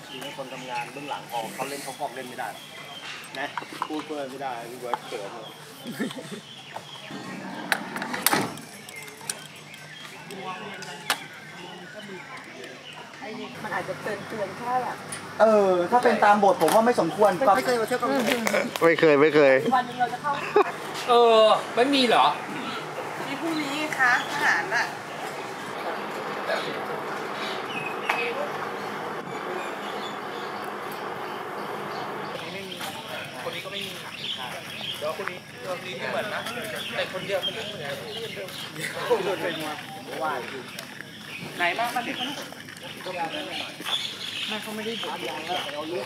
ทีนี้คนทำงานเบื้องหลังออกเขาเล่นเขาฟอกเล่นไม่ได้นะพูดเพื่อไม่ได้พี่เบิร์ดเกิดเลยมันอาจจะเตือนแค่แบบถ้าเป็นตามบทผมว่าไม่สมควรไม่เคยมาเที่ยวกับไม่เคยวันนึงเราจะเข้าไม่มีเหรอมีพรุ่งนี้คะทหารอ่ะคนนี้ก็ไม่มีเดี๋ยวคนนี้ไม่เหมือนนะแต่คนเดียวมันไม่เหมือนว่าไหนบ้างมันเป็นไม่เขาไม่ได้บดยางแล้วเอาเลือด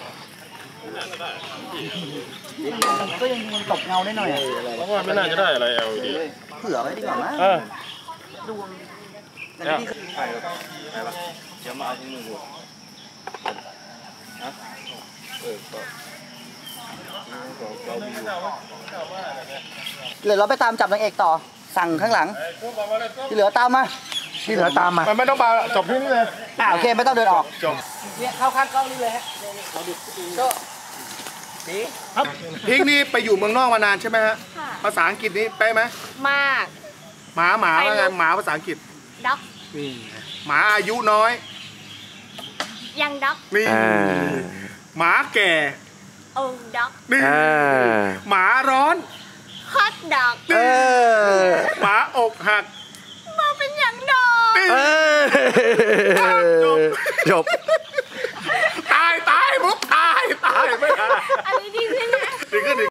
ก็ยังตบเงาได้หน่อยเพราะว่าไม่น่าจะได้อะไรเอาดีเผื่อไว้ดีกว่ามั้ยดวงเนี่ยใครวะเดี๋ยวมาเอาที่มือหัวนะเหลือเราไปตามจับนางเอกต่อสั่งข้างหลังที่เหลือตามมาไม่ต้องมาจบที่นี่เลยโอเคไม่ต้องเดินออกจบเนี่ยเข้าข้างกล้องนี่เลยฮะก็นี่ครับพิงนี่ไปอยู่เมืองนอกมานานใช่ไหมฮะภาษาอังกฤษนี่ไปไหมมากหมาว่าไงหมาภาษาอังกฤษด็อกหมาอายุน้อยยังด็อกนี่หมาแก่โอ้ด็อกนี่หมาร้อนฮอตด็อกหมาอกหักมาเป็นอย่างดอกจบตายมุกตายไม่ได้อันนี้ดีขึ้นนะดีขึ้น